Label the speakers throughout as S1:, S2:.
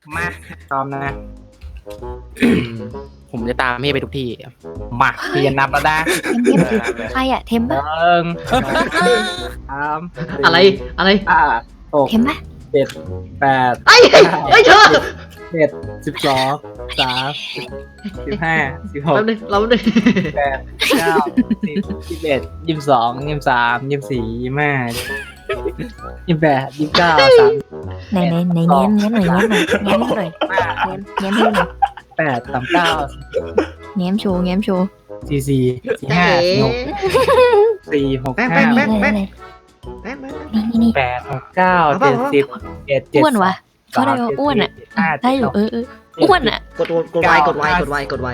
S1: มาพร้อมนะ
S2: ผมจะตามพี่ไปทุกที่
S1: มาเปลี่ยนนับแล้วนะ
S3: ใครอะเทม
S1: ห
S3: ปะ
S1: นึ่งสาม
S4: อะไร
S1: ห้าหก
S3: เทมปะ
S1: เจ็ดแปด
S4: ไอ้เธอ
S1: 11 12 13 14 15 16
S4: แป๊บนึงเราดึง
S1: 18 19 20 21 22 23 24 25 28 29 30
S3: ไหนแง้มหน่อยแง้มหน่อยแง้มหน่อยแง้มให้หน่อย
S1: 8 39
S3: แง้มโชว์
S1: 44 45 46
S4: แป๊บ
S3: นี่
S1: 8 6 9 7 10 11
S3: อ้วนวะเขาได้ว่าอ้วนอะได้อยู่อ้วนอะ
S4: กดไว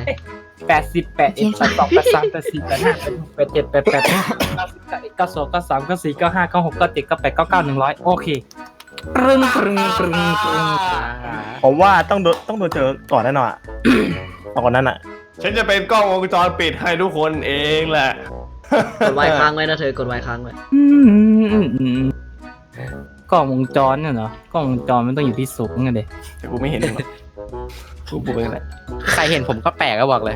S1: โอเคปรึง
S5: ผมว่าต้องโดนเจอก่อนแน่นอนอะ ก่อนนั้นอ่ะ
S6: ฉันจะเป็นกล้องวงจรปิดให้ทุกคนเองแหละ
S4: กดไวค้างไว้นะเธอกดไวค้างไว้
S1: กล้องวงจรเนี่ยเหรอกล้องวงจรมันต้องอยู่ที่สูงไงเด็ก
S6: แต่กูไม่เห็นหรอกกูบอกเองแหละ
S2: ใครเห็นผมก็แปลกก็บอกเลย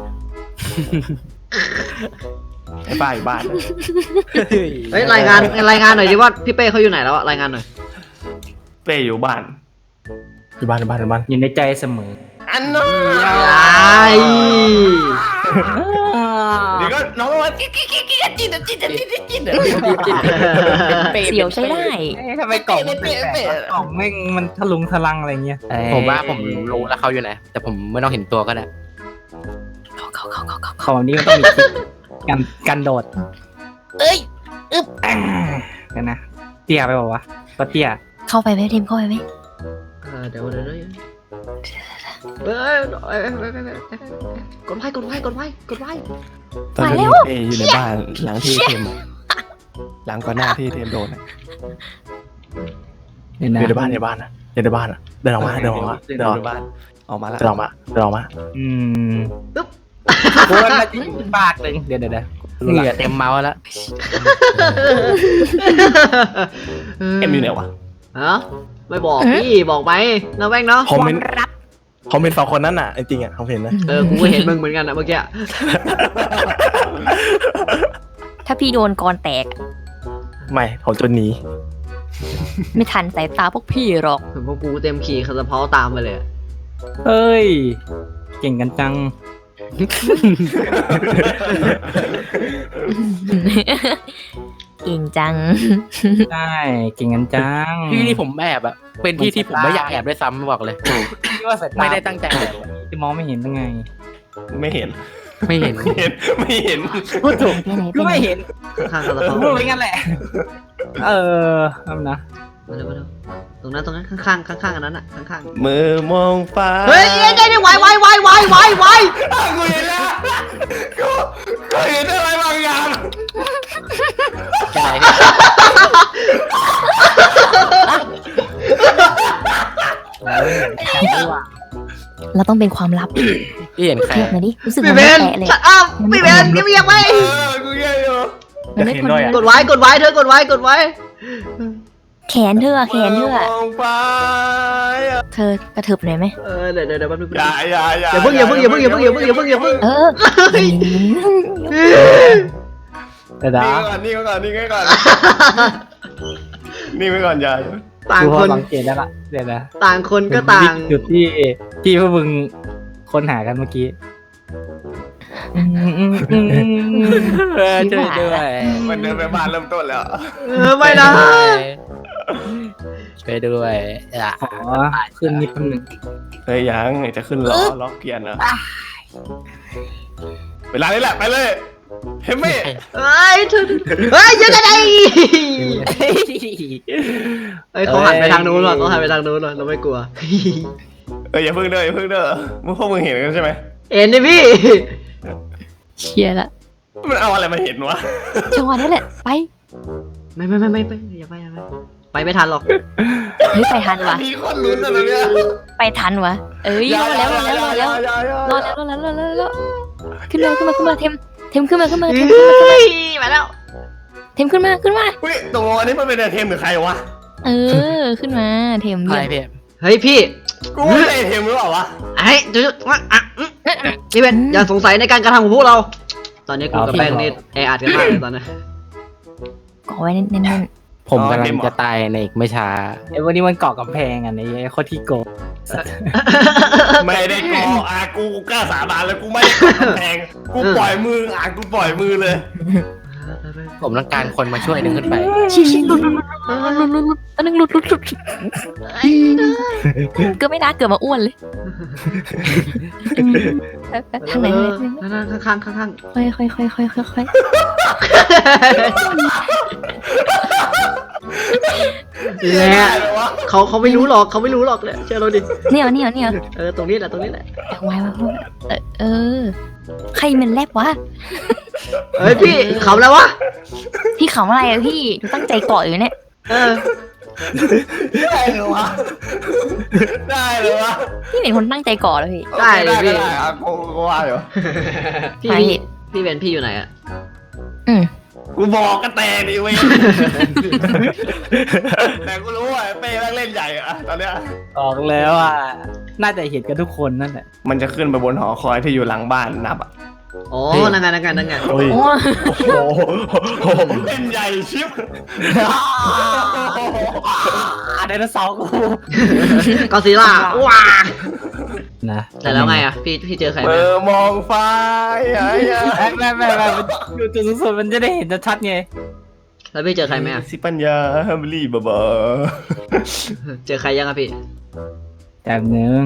S6: ไอ้บ้าอยู่บ้านนะ
S4: เฮ้ยรายงานหน่อยดิว่าพี่เป้เขาอยู่ไหนแล้วรายงานหน่อย
S6: เป้อยู่บ้าน
S5: อยู่บ้าน
S1: อยู่ในใจเสมอ
S6: อันนั้น เดี๋ยวก็น้องมาจิ๊ด
S3: เสียวใช้ได้
S1: ทำไมกล่องมันแปลกๆกล่องแม่งมันทะลุงทะลังอะไรเงี้ย
S2: ผมว่าผมรู้แล้วเขาอยู่ไหนแต่ผมไม่ต้องเห็นตัวก็ได้
S1: ของนี้มันต้องมีคลิปกันโดดกันนะเตี้ยไปบอกว่าก็เตี้ย
S3: เข้าไปไหมเทมเข้าไปไหม
S4: เดี๋ยวเฮ้ยกดไว
S6: ตอนนี้เป้อยู่ในบ้านหลังที่เทมหลังก่อนหน้าที่เทมโดนอะ
S1: เนี่ย
S5: อยู่ใน
S1: นะ
S5: บ้านอะเดินออกมาเดินออกมา
S6: เดินในบ้านออกมาแล้ว
S5: เดินออกมา
S1: โคนมาที่ปากเลยเดี๋ยว
S2: เหงื่อเต็มเมาส์แล้ว
S6: เอ็มอยู่ไหนวะ
S4: ฮะไม่บอกพี่บอกไหมนะแว่งเนาะ
S5: ผมเป็นสองคนนั้นอ่ะจริงๆอ่ะผมเห็นนะ
S4: กูก็เห็นมึงเหมือนกันนะเมื่อกี้
S3: ถ้าพี่โดนกรแตก
S5: ไม่ผมจนหนี
S3: ไม่ทันสายตาพวกพี่หรอก
S4: พวกกูเต็มขี่คาสะเพาตามไปเลย
S1: เฮ้ยเก่งกันจัง
S3: เก่งจัง
S1: ใช่เก่งกันจัง
S2: ที่ที่ผมแอบอะเป็นที่ที่ผมไม่อยากแอบด้วยซ้ำบอกเลย
S1: ที่ว่าสายตา
S2: ไม่ได้ตั้งใจแอบ
S1: จะมองไม่เห็นยังไง
S6: ไม่เห็น
S2: ไม่เห็น
S6: ไม่เห็น
S1: พูดถูก
S3: ไปไหน
S1: ก็ไม่เห็น
S4: ข้างคาสะเพา
S1: พูดไปงั้นแหละทำนะ
S4: มาเร็วตรงนั้นข้างอันนั้นอ่ะข้าง
S6: มือมองฟ้า
S4: เฮ้ยได้ไว
S6: กูเห็นแล้วกูเห็นอะไรบางอย่าง
S2: ใช่
S3: เราต้องเป็นความลับ
S2: พี่เห็นใคร
S3: เทียบมาดิรู้สึก
S4: พี่
S3: มัน
S4: เบ
S3: ไม่
S4: น
S3: แตะเลย
S4: ชัดอัพพี่เบนเงียบไว้
S6: กูแย่อยู่
S3: มันไม่คน
S4: กดไว้เธอกดไว้
S3: แขนเธอแขนเธอ
S6: มองฟ้า
S3: เธอกระเถิบหน่อยไหม
S4: เดี๋ยวแป๊บนึง
S6: อย่า
S4: อย่าเพิ่ง
S3: เออ
S1: แต่ดา
S6: นี่ไว้ก่อนนี่ไว้ก่อนอย่า
S4: ต่าง
S1: คือพ
S4: ค
S1: อน สังเกตได้ละเดี๋ยวนะ
S4: ต่างคนก็ต่าง
S1: จุดที่พวกมึงค้นหากันเมื่อกี้
S2: ช่วยด้วย
S6: มันเดินไปบ้านเริ่มต้นแล้ว
S4: ไม่นะ
S2: ช่วยด้วยอ่ะ
S1: ขอขึ้นนิดนึง
S6: เฮ้ยยังจะขึ้นล้อเกียร์นะเวลานี้แหละไปเลยเฮมมี่
S4: เฮ้ยยังไงเขาหันไปทางนู้นว่ะเราไม่กลัว
S6: อย่าเพิ่งเด้อพวกมึงเห็นกันใช่ไหม
S4: เอ็นดิพี่
S3: เชียร์ละ
S6: มันเอาอะไรมาเห็นวะ
S3: จังหวะนี้แหละไป
S4: ไม่อย่าไปไม่ทันหรอก
S3: เฮ้ยไปทันวะ
S6: มีคนลุ้นอะไรเนี่ย
S3: ไปทันวะเอ้ยรอแล้วขึ้นมาเทมขึ้นมา
S4: มาแล้ว
S3: เทมขึ้นมา
S6: เฮ้ยตกลงอันนี้มันเป็นเทมหรือใครวะ
S3: เออขึ้นมาเทม
S2: อะไร
S3: เรียก
S2: พี่
S4: เฮ้ยพี่
S5: กูไม่ได้เทมหรือเปล่าวะ
S4: ไอ้จุ๊บพี่เป็นอย่าสงสัยในการกระทำของพวกเรา ตอนนี้กูกับแป้งนี่แออัดกันมากเลยตอนนี้
S3: กอไว้แน่น
S2: ผมกำลังจะตายในอีกไม่ช้า
S1: ไอ้วันนี้มันเกาะกำแพงอ่ะไอ้โคตรที่โกง
S5: ไม่ได้กอกูกล้าสาบานเลยกูไม่ได้กอแพงกูปล่อยมือกูปล่อยมือเลย
S2: ผมต้องการคนมาช่วยดึงขึ้นไป
S3: ๆชี้หลุดอันนึงหลุดก็ไม่น่าเกิดมาอ้วนเลยทางไหน
S4: ข้าง
S3: ค่อย
S4: และเขาไม่รู้หรอกเลยเชื่อเราดิ
S3: เนี่ย
S4: ตรงนี้แหละ
S3: ไว้ใครมันแลบวะ
S4: เฮ้ยพี่ขำแล้ววะ
S3: พี่ขำอะไรอะพี่ตั้งใจเกาะอยู่เนี่ย
S5: ได้เหรอวะได้เหรอวะ
S3: พี่เป็นคนตั้งใจเกาะเลยพี่
S4: ได้เลยพี่
S5: กูว่าอยู่
S4: พี่เป็นพี่อยู่ไหนอะ
S5: กูบอกกันแต่ดิเว้ยแต่กูรู้ว่าเป้เล่นใหญ่อะตอนเนี้ย
S1: ออกแล้วอ่ะน่าจะเห็นกันทุกคนนั่นแหละ
S5: มันจะขึ้นไปบนหอคอยที่อยู่หลังบ้านนับอ่ะ
S4: โอ้นั่งไง
S5: โอ้ย
S3: โอ้
S5: โอ้โหเล่นใหญ่ชิบ
S1: ไดโนเสาร์กู
S4: กอซิล่าว้า
S1: นะ
S4: แต่แล้วไงอะพี่เจอใครไหม
S5: มองฟ้า
S1: ไม่อยู่จุดสูงสุดมันจะได้เห็นชัดๆไง
S4: แล้วพี่เจอใครไหมอะ
S5: สิปัญญาฮัมบลีบะ
S4: เจอใครยังอะพี่
S1: จากหนึ่ง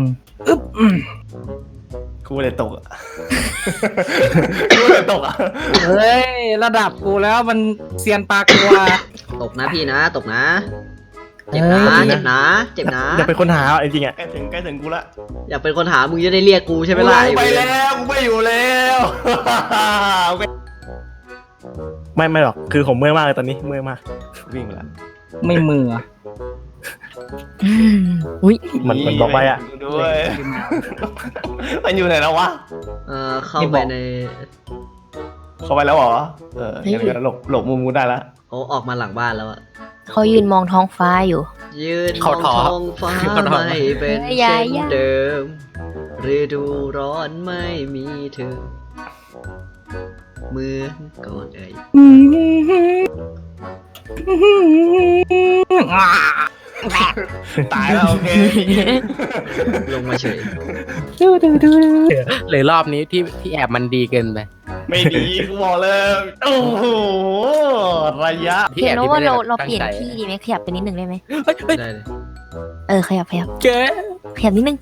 S5: กูเลยตกอ่ะกูเลยตกอ่ะ
S1: เฮ้ยระดับกูแล้วมันเซียนปลากลัว
S4: ตกนะพี่นะตกนะเจ็บนะ
S5: อย่าเป็นคนหาจริงๆอ่ะใกล้ถึงกูละ
S4: อยากเป็นคนหามึงจะได้เรียกกูใช่ไหมล่ะ
S5: ไปแล้วกูไม่อยู่แล้ว ไม่หรอกคือผมเมื่อยมากเลยตอนนี้เมื่อยมากวิ่งไปแล้ว
S1: ไม่มือ
S3: อุ้ย
S5: มันบอกไปอ่ะด้วยมันอยู่ไหนแล้ววะ
S4: เข้าไปใน
S5: เข้าไปแล้วเหรองั้นหลบมุมกูได้ละ
S4: โอ้ออกมาหลังบ้านแล้วอะ
S3: เขายืนมองท้องฟ้าอยู่
S4: ยืนมองท้องฟ้าไม่เป็นเช่นเดิมฤดูร้อนไม่มีเธอเหมือนก่อน
S5: ตายแล้วโอเค
S4: ลงมาเฉย
S2: เลยรอบนี้ที่แอบมันดีเกินไป
S5: ไม่ดีกูบอกเลยโอ้โหระยะ
S2: ที่
S3: เห็
S2: แอน บ
S3: ว่า
S2: ที่ไม่ได้
S3: เรา
S2: ตั้ง
S3: เปลี่ยน
S2: ใจ
S3: ที่ดีไหมขยับไปนิดนึงได้ไหม
S4: ได้เลย
S3: ขยับ
S2: เจ๊
S3: ขยับนิดนึง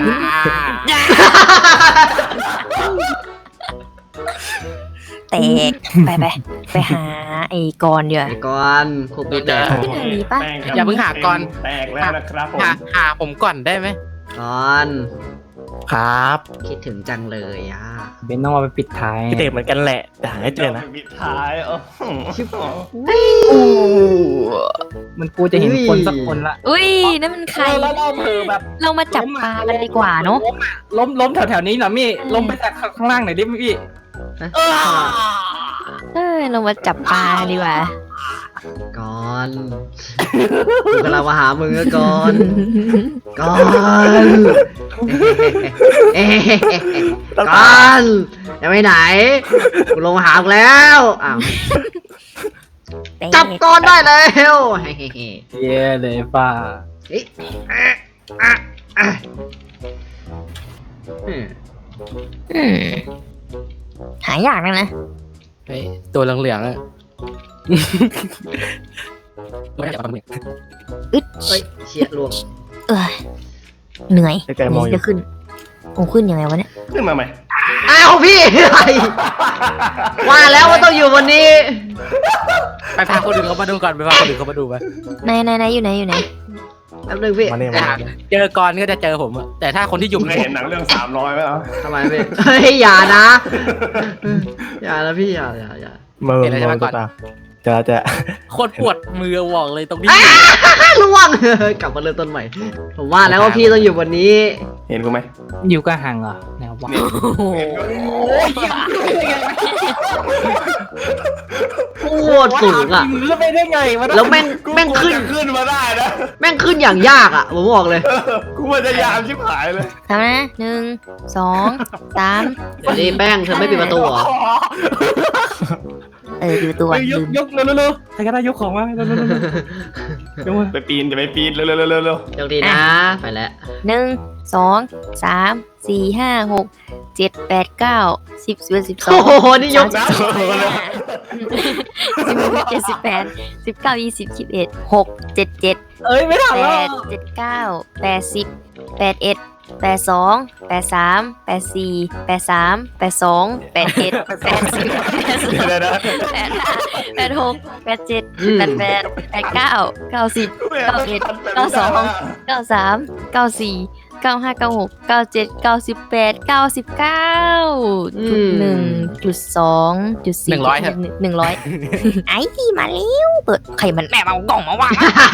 S3: แตกไปหาไอ้กรเดี๋ยว
S4: ไอ้ก่อนคุกนิดแตก
S3: ขึ้นทางนี้ปะ
S2: อย่าเพิ่งหาก่อน
S5: แตกแล้วนะครับผม
S2: หาผมก่อนได้ไหม
S4: ก่อน
S5: ครับ
S4: คิดถึงจังเลยอ่ะ
S1: เบนต้องเอาไปปิดท้าย
S5: พี่เต๋เหมือนกันแหละแต่หาให้เจอนะปิดท้าย
S1: มันกูจะเห็นคนสักคนละ
S3: อุ้ยนั่นมันใคร
S1: แล้วเราเผลอแบบ
S3: เรามาจับปลากันดีกว่าเนาะ
S1: ล้มแถวๆนี้หน่อยมี่ล้มไปจากข้างล่างหน่อยดิพี่
S3: เรามาจับปลาดีกว่า
S4: ก่อนกูกำลังมาหามึงอะก่อนก่อน ก่อนจะไปไหนกูลงมาหามึงแล้วอ้าวจับก่อนได้แล้วเฮ้
S1: เย้เลยป้า
S3: หายากนะ
S2: เฮ้ยตัวเหลืองๆอ่ะไม่จับปลาหมึก
S3: อึด
S4: เฮ้ยเชียลวง
S3: เหนื่อย
S5: ไกลๆมองอยู่
S3: จะขึ้นขึ้นยังไงวะเนี่ย
S5: ขึ้นมาใหม่
S4: อ้าวพี่อะไรว่าแล้วว่าต้องอยู่วันนี้
S2: ไปพาคนอื่นเขามาดูก่อนไปพาคนอื่นเขามาดูไป
S3: ไหนอยู่ไหน
S4: แป๊บนึงพี่
S5: มาเนี่ย
S2: เจอก่อนก็จะเจอผมอะแต่ถ้าคนที่อยู่
S5: เคยเห็นหนังเรื่อง300ไหมล่ะ
S4: ทำไมพี่เฮ้ยอย่านะอย่านะพี่อย่า
S5: มือตาจะ
S2: โคตรปวดมือบอกเลยตรงนี้
S4: ล่วงกลับมาเริ่มต้นใหม่ผมว่าแล้วว่าพี่ต้องอยู่วันนี้
S5: เห็นกูไหม
S1: อยู่ก็ห่างเหรอแนว
S2: วะ
S3: โอ้โห
S4: โคตรสูงอ่ะ
S1: แล้วไปได้ไงวะ
S4: แล้วแม่งขึ้น
S5: จะขึ้นมาได้นะ
S4: แม่งขึ้นอย่างยากอ่ะผมบอกเลย
S5: กูพยายามชิบหายเลย
S3: ทำนะ1 2 3
S4: เดี๋ยวนี้แป้งเธอไม่ปิดประตูเหรอ
S3: ปิดประตูก่อน
S1: ย
S3: ลื
S1: ก
S3: ม
S1: ยกเร็วๆใครก็ได้ยกของมาเร็วๆ
S5: ไปปีนจะไปปีนเร็วๆเร็ว
S4: โชคดีนะ ไปแล้ว
S3: 1 2 3 4 5 6 7 8 9 10 11
S4: โอ้
S3: 12
S4: โหนี่ยก
S5: น้ำ
S3: 17 18 19 20 21 6 7 7
S1: เอ้ยไม่ทันแล้ว
S3: 8 7 9 80 81 82 83 84 83 82 81 80
S5: เดี๋ยวนะ
S3: 86 87 88 89 90 91 92 93 94 95 96 97 98 99 1.2 4
S2: 100ครับ
S3: 100 ไอ้ที่มาแล้วเปิดใครมันแม่เอากล่องมาวาง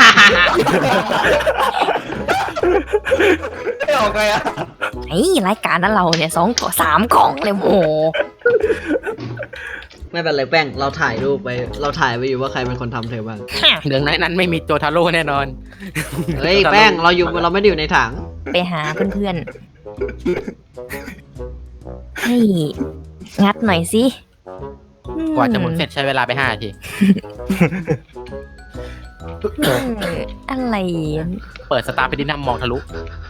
S5: ไม่ออกไงอ่ะ
S3: ไอ้รายการนั้นเราเนี่ย3 กล่องเลยโอ้โห
S4: ไม่เป็นไรแป้งเราถ่ายรูปไป เราถ่ายไปอยู่ว่าใครเป็นคนทำเธอบ้าง
S2: เรื่องนั้นไม่มีโจทาโร่แน่นอน
S4: เฮ้ยแป้งเราไม่ได้อยู่ในถัง
S3: ไปหาเพื่อนๆให้งัดหน่อยสิ
S2: กว่าจะหมุนเสร็จใช้เวลาไป5 นาที
S3: อะไร
S2: เปิดสตาร์ไปดินัมมองทะลุ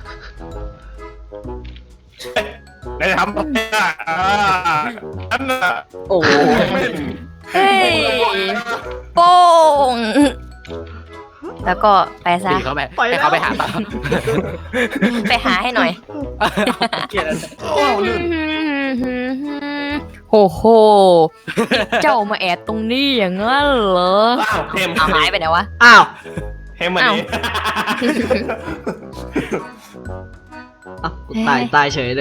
S5: ได้ทำอะไรอ่ะนั่นน่ะ
S2: โอ้
S3: เฮ้ยโป้งแล้วก็ไปซะ
S2: ดีเขาไปให้เขาไปหาต่อ
S3: ไปหาให้หน่อย
S1: เกลียดอะไร
S5: โอ้ลื่น
S3: โหโห เจ้ามาแอบตรงนี้อย่างนั้นเหรอ
S5: อ้าวเทม
S3: เอาหายไปไหนวะ
S4: อ้าว
S5: เทมมาดิ
S4: อ้าวกูตายเฉยเลย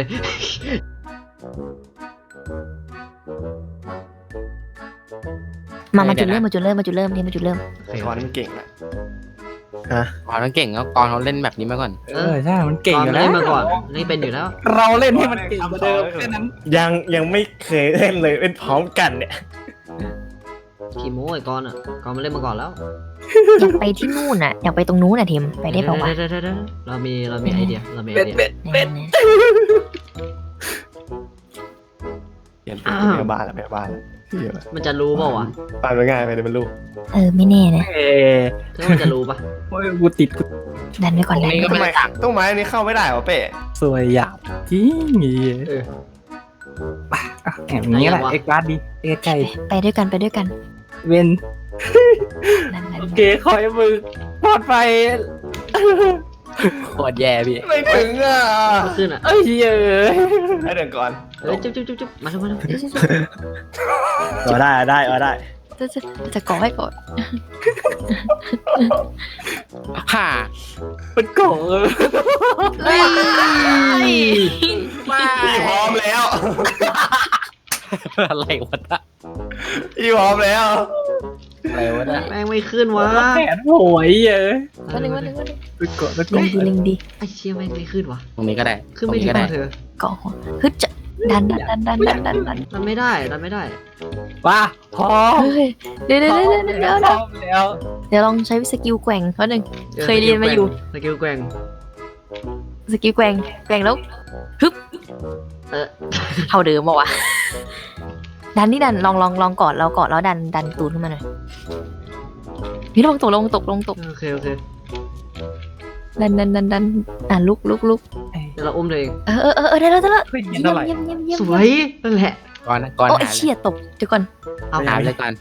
S3: มาจุดเริ่มที
S5: ช้อนมันเก่งอ่ะ
S2: ก่อนมันเก่งแล้วก่อนเขาเล่นแบบนี้มาก่อน
S1: ใช่มันเก่ง
S4: ตอน
S1: อยู่
S4: เล่
S1: แล้ว
S4: นมาก่อน นี่เป็นอยู่แล้ว
S1: เราเล่นให้มันเก่งกว่าเดิมแค่นั้น
S6: ยังไม่เคยเล่นเลยเล่นพร้อมกันเนี่ย
S4: ขี่โม้ไอ้กอนอ่ะกอนมันเล่นมาก่อนแล้ว
S3: อยากไปที่นู่นน่ะอยากไปตรงนู้นน่ะทีมไปได้เปล่าวะ
S4: เดี๋ยวเรามีไอเดีย
S3: แน่
S6: เปลี่ยนเป็นพยาบาลแล้วพยาบาลเดี๋ยว
S4: มันจะรู้เปล่าวะ
S6: ปานมันง่ายไปเลยมันลูก
S3: ไม่แน่นะ
S1: เอ้ย
S4: ถ้ามันจะรู้ปะ
S1: โอ้ยกูติดกู
S3: ดันไว้ก่อน
S2: ตรงนี้ก็ไม่
S5: ต้องไม้อันนี้เข้าไม่ได้เหรอเป้
S1: สวยหยาบจริงงี้
S4: เออ
S1: อย่างนี้แหละเอ็กซ์การ์ดดีเอ็กซ์ไก่
S3: ไปด้วยกัน
S1: เวน
S3: นั่น
S1: โอเคคอยมือปลอดภัย
S2: โคตรแย่พี่
S5: ไม่ถึงอ่ะ
S4: ขึ้นอ่ะ
S1: เอ้ยเอ้ย
S5: ให้เดี๋ยวก่อน
S4: เฮ้ยจุ๊บมาทำไม
S6: ได้
S3: จะก่อให้ก่อน
S2: ฮ่า
S1: เป็นโกงเลย
S5: พี่พร้อมแล้ว
S2: อะไรวะนะ
S5: พี่พร้อมแล้ว
S2: อะไรวะนะ
S4: แม่งไม่ขึ้นวะ
S1: แขนโหยเอ้ย
S3: วันหนึ่ง
S1: เป็นโกงเป็นโก
S3: ลิ
S1: ง
S3: งดี
S4: ไอ้เชี่ยแม่งไม่ขึ้นวะ
S2: ตรงนี้ก็ได้
S4: ขึ้น
S2: ตรง
S4: ไม่
S2: นี้
S4: ถึง
S2: ก็ได้
S4: ป่ะเธอ
S3: ก่อหัวฮึดจะดัน
S4: ดันไม่ได้
S1: ว่าพร้อม
S3: เฮ้ยเดี๋ยว
S1: พร้อมแล้ว
S3: เดี๋ยวลองใช้สกิลแกว่งเขาหนึ่ง เคยเรียนมาอยู่
S4: สกิลแกว่ง
S3: สกิลแกว่งแล้วฮึบ
S4: เออ
S3: เท่าเดิมป่าวะดันนี่ดันลองกอดแล้วดันตูนขึ้นมาหน่อยนี่ลงตก
S4: โอเค
S3: ดันลุก
S4: เดี๋ยวเราอุ้มเธอเอง
S3: ได้แล้ว
S1: เฮ้ยเท่าไหร่
S3: เยี่ยม
S4: สวยนั่นแหละ
S2: ก่อน
S3: โอ้
S2: หา
S3: เชี่ยตกเดี๋ยวก่อน
S4: เอา
S2: หาเลยก่อน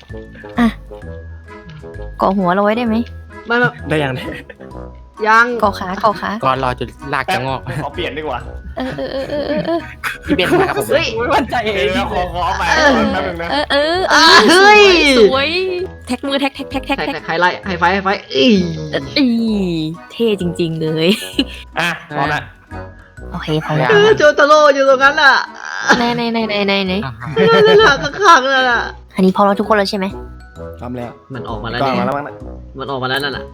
S3: ก่อหัวเราไว้ได้ไหม
S4: ไม่
S6: ได้ยัง
S4: ยัง
S3: ก่อขา
S2: ก่อนรอจนลากจะงอก
S5: ขอเปลี่ยนดีกว่า
S2: พี่เบนมาครับผม
S4: เฮ้ย
S1: ไม่มั่นใจเอ
S5: เดี๋ย
S1: ง
S5: วขอไปแป๊บนึงนะ
S4: เฮ้ย
S3: สวยแท็กมือแท็ก
S4: ไฮไลท์ไฮไฟอี
S3: เท่จริงๆเลย
S5: อ่ะพร้อมละ
S3: โอเคพอแล้ว
S4: โจตาโร่อยู่ตรงนั้นอ่ะ
S3: ไหน
S4: นั่นแหละข้างๆนั่นแหละ
S3: อันนี้พอเราทุกคนแล้วใช่ไหม
S6: ทำแล้ว
S4: มันออกมาแล้ว
S6: ก่อน
S4: เนี่ย
S6: มาแล้วมั้งนะ
S4: มันออกมาแล้วนั่นแหละ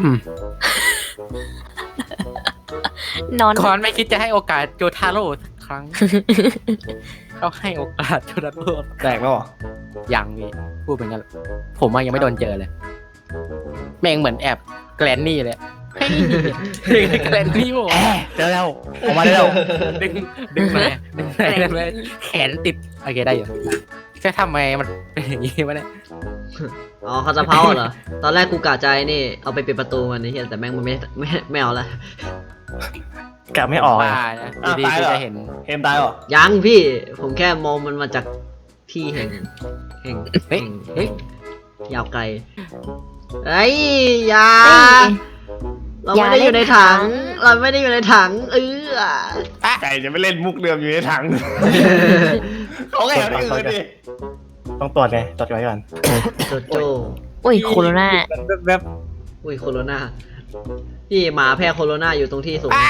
S3: นอน
S2: ก่อนไม่คิดจะให้โอกาสโจทาโร่สักครั้ง ก็ให้โอกาสจนนั้นโทษ
S5: แตกแล้วเหรอ
S2: ยังพี่พูดเป็นกันผมว่ายังไม่โดนเจอเลย แม่งเหมือนแอบแกลนนี่เลยเฮ้ยแกลนนี่ผม
S6: เจอแล้วออกมาได้แล้ว
S2: ดึงมาได้ไหมแขนติดโอเคได้อยู่แค่ทำไมมันเป็นอย่างนี้วะเนี่ย
S4: อ๋อเขาจะเผาเหรอ ตอนแรกกูกะใจนี่เอาไปปิดประตูมันนี่เฮียแต่แม่งมันไม่เอาละ
S6: กลับไม่ออก
S2: ว่านะดีๆจะเห็น
S5: เห็นตายเหรอ
S4: ยังพี่ ผมแค่มองมันมาจากที่แห่ง
S2: เฮ้ยเฮ้ย
S4: ยาวไกลเฮ้ยอยา
S3: เฮ้ย
S4: เราไม่ได้อยู่ในถัง เราไม่ได้อยู่ในถังอ
S5: ไก่จะไม่เล่นมุกเดิมอยู่ในถังเขาแค่ที่อื่นดิ
S6: ต้องตรวจไงตรวจไว้ก่อน
S4: โจโจ้
S3: อุ้ยโคโรนา
S1: แบบ
S4: อุ้ยโคโรนาพี่หมาแพร่โคโรนาอยู่ตรงที่สูง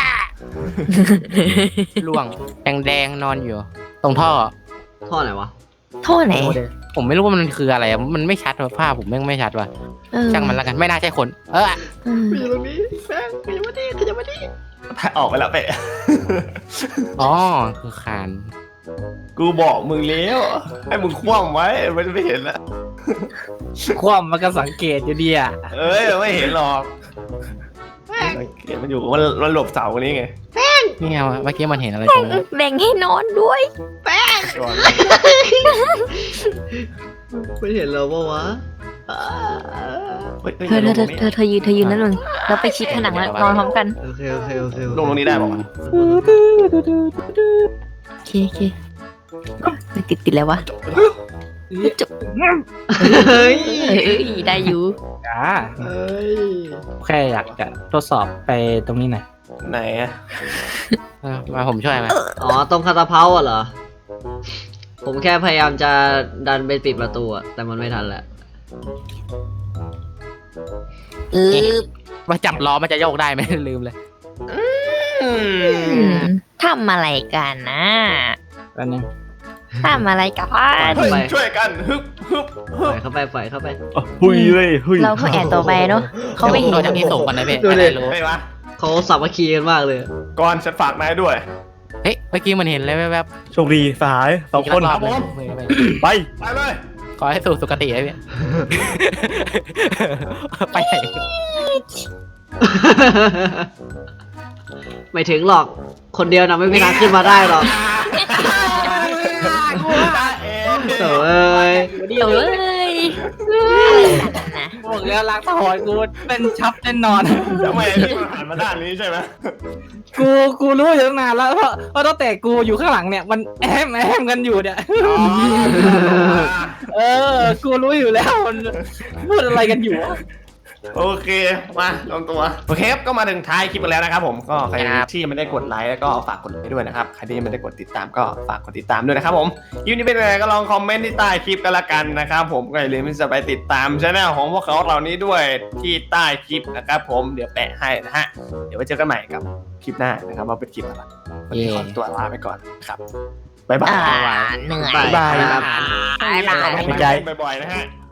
S2: ล่วงแดงๆนอนอยู่ ตรงท่อ
S4: ท่อไหนวะ
S3: ท่อไหน
S2: ผมไม่รู้ว่ามันคืออะไรอะมันไม่ชัดว่ะภาพผมแม่งไม่ชัดว่ะ
S3: เออ
S2: ช่างมันแล้วกันไม่น่าใช่คน
S3: เออ
S4: อยู่ตรงนี้แป้งขยับมาดิขยับมาดิ
S5: ออกไปแล้วเปะ
S2: อ๋อคือคาน
S5: กูบอกมึงแล้วให้มึงคว่ำไว้มันจะไม่เห็นแล้ว
S1: ความมันก็สังเกตอยู่ดีอ่ะ
S5: เอ้ยไม่เห็นหรอกเห็นมันอยู่มันหลบเสาคนนี้ไง
S2: เนี่ยเมื่อกี้มันเห็นอะไรตรงนี้
S3: แบ่งให้นอนด้วย
S5: ก่อน
S4: ไม่เห็นเราปะวะ
S5: เฮ้ย
S3: เธอยืนนั่นเลยแล้วไปชิดผนังแล้วนอนพร้อมกัน
S4: โอเค
S5: ลงตรงนี้ได้ป่าวะ
S3: โอเคไม่ติดแล้ววะจบ
S4: เฮ้ย
S3: เอ้ยได้อยู่
S1: จ้า
S4: เฮ้ย
S1: แค่อยากจะทดสอบไปตรงนี้หน่อย
S5: ไหนอะ
S2: มาผมช่วยไหม
S4: อ๋อตรงคาตาเพาอะเหรอ ผมแค่พยายามจะดันไปปิดประตูอะแต่มันไม่ทันแหละ
S2: ว่าจับล้อมันจะโยกได้ไหมลืมเลย
S3: ทำอะไรกันนะ
S1: แป๊บนึง
S3: ทำอะไรกัน
S5: เฮ้ยช่วยกันฮึบ
S4: ปล่อยเข้าไป
S6: หุยเลยหุย
S3: เราก็แอบต่อไปเนาะเขาไม่เห็น
S2: โดนจากที่สูงกันนะพี่
S4: ดูดิ
S2: ไม่รู้
S5: ไม่วะ
S4: เขาสามัคคีกันมากเลย
S5: ก่อนฉันฝากนายด้วย
S2: เฮ้ยเมื่อกี้มันเห็นเลยแวบ
S6: โชคดีสหาย
S2: ๆ
S6: 2 คน
S2: รอบๆเลย
S6: ไป
S5: ไปเลย
S2: ขอให้สู่สุคติเลยพี่ ไปไหน
S4: ไม่ถึงหรอก คนเดียวนะไม่มีทางขึ้นมาได้หรอกโถ่เอ้ย
S3: เดี๋ยวเลยอะไรกันนะ
S1: บอกแล้วล้างถอยกูเป็นชับแน่นอน
S5: ทำไมพี่มันหันมาด้านนี้ใช่ไหม
S1: กูรู้อยู่ตั้งนานแล้วเพราะตั้งแต่กูอยู่ข้างหลังเนี่ยมันแอมกันอยู่เนี่ย กูรู้อยู่แล้วมันพูดอะไรกันอยู่วะ
S5: โอเคมาลงตัวโอเคครับก็มาถึงท้ายคลิปกันแล้วนะครับผมก็ใครที่ไม่ได้กดไลค์แล้วก็ฝากกดไลค์ด้วยนะครับใครที่ไม่ได้กดติดตามก็ฝากกดติดตามด้วยนะครับผมคลิปนี้เป็นยังไงก็ลองคอมเมนต์ที่ใต้คลิปกันละกันนะครับผมก็อย่าลืมที่จะไปติดตามช่องของพวกเขาเหล่านี้ด้วยที่ใต้คลิปนะครับผมเดี๋ยวแปะให้นะฮะเดี๋ยวไว้เจอกันใหม่กับคลิปหน้านะครับว่าเป็นคลิปอะไรวันนี้ขอตัวลาไปก่อนครับบ๊ายบาย
S3: เหนื่อย
S4: บ๊ายบาย
S3: บ๊ายบาย
S5: บ่อยๆนะฮะ